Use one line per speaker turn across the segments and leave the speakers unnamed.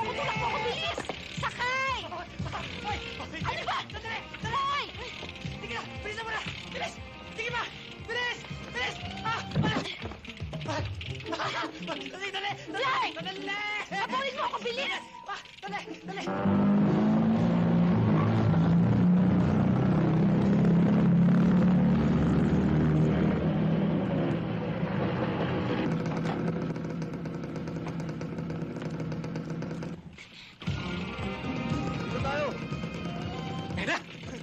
tulak mo ako, bilis! Sakay! Ano ba?
Sandali!
Hoy!
Sige na! Bilisan mo na! Bilis! Sige pa! Bilis! Bilis! Dali! Dali!
Lai!
Dali!
Habulin mo ako, bilis!
Dali! Dali! Dito tayo! Eda!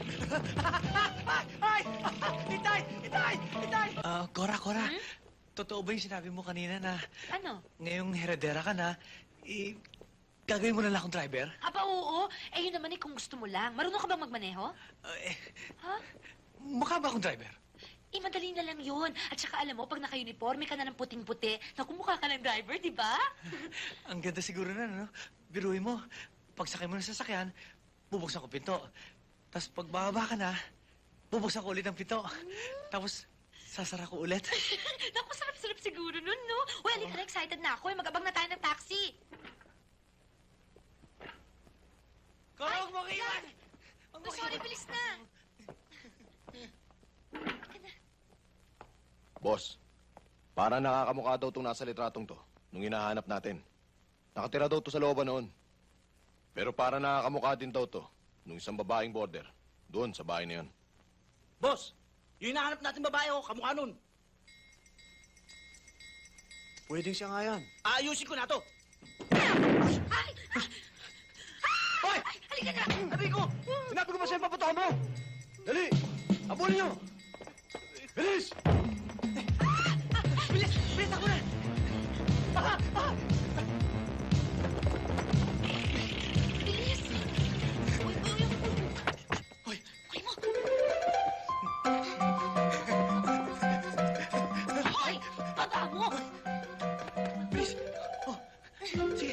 Ay! Itay! Itay! Itay!
Cora. Totoo ba yung sinabi mo kanina na
Ano?
ngayong heredera ka na, gagawin mo na lang akong driver?
Aba, oo. Eh, yun naman kung gusto mo lang. Marunong ka bang magmaneho? Ha?
Mukha ba akong driver?
Eh, madali na lang yun. At saka alam mo, pag naka-uniforme ka na ng puting-puti, nakumukha ka ng driver, di ba?
Ang ganda siguro na, no? Biruin mo, pagsakay mo ng sasakyan, bubuksan ko pinto. Tapos pag bababa ka na, bubuksan ko ulit ang pinto. Tapos, sasara ko ulit.
Naku, sarap-sarap siguro nun, no? Well, halika na, excited na ako. Mag-abang na tayo ng taxi.
Cora, huwag mo iwan!
Oh, sorry, bilis na.
Boss, para nakakamukha daw itong nasa litratong to nung hinahanap natin. Nakatira daw to sa looban noon. Pero para nakakamukha din daw to nung isang babaeng border doon sa bahay na yun.
Boss! Yung hinahanap natin babae ko, kamukha nun.
Pwedeng siya nga yan.
Aayusin ko na to.
Ay!
Hoy!
Ay, halika na!
Sabi ko! Sinabi ko ba sa'yo paputokan mo? Dali! Abulin niyo! Bilis!
Bilis! Bilis ako na!
Bilis! Uy, uy, uy!
Hoy!
Uy mo! Hoy! Baba mo!
Bilis! Oh, sige.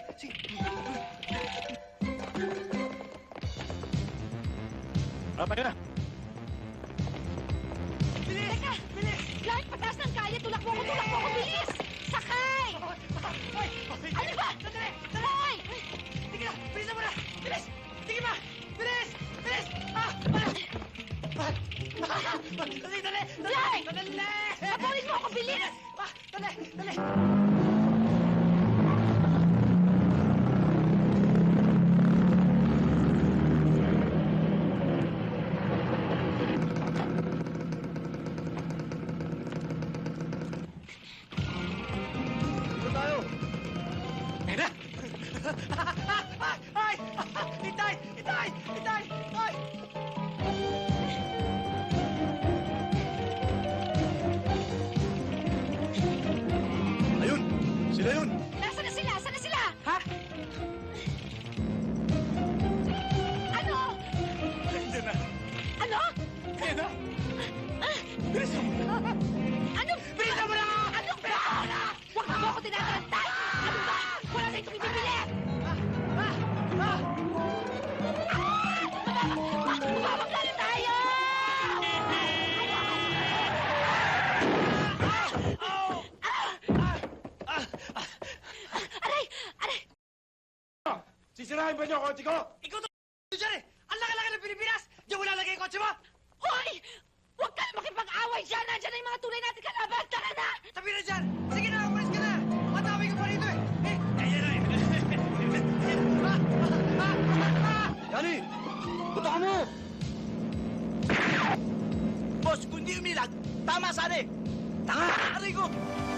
Rapay na!
Bilis!
Teka!
Bilis!
Clark, pataas ng kaya! Tulak mo ako! Bilis! Sakay! Ano ba?
Sandali!
Hoy!
Sige na! Bilisan mo na! Bilis! Sige pa! Bilis! Bilis! Dali! Dali!
Lai!
Dali!
Habulin mo ako, bilis!
Dali! Dali! Dito tayo!
Eda!
Ay! Itay! Itay! Itay! Ay!
Ayun! Sila yun!
Nasaan na sila? Saan na sila?
Ha?
Ano?
Nandiyan na!
Ano?
Eda!
Bilisan mo! Ano?
Bilisan mo na!
Ano ba? Huwag mo ako tinatarantay! Ano ba? Wala na itong ibibili! Mababagla na tayo! Aray! Aray!
Sisirahin ba niyo ang kotse ko?
Ikaw to dyan eh! Ang laki-laki ng Pilipinas! Diyan mo lalagay yung kotse mo!
Hoy! Huwag ka na makipag-away dyan! Nandiyan na yung mga tunay natin kalaban! Tara na!
Tabi na dyan! Sige na, umalis ka na! Matawag ka pa rito eh! Ayan na eh!
Yani! Butokan mo!
Boss, kung di umilag, tama sana eh! Tanga! Aray ko!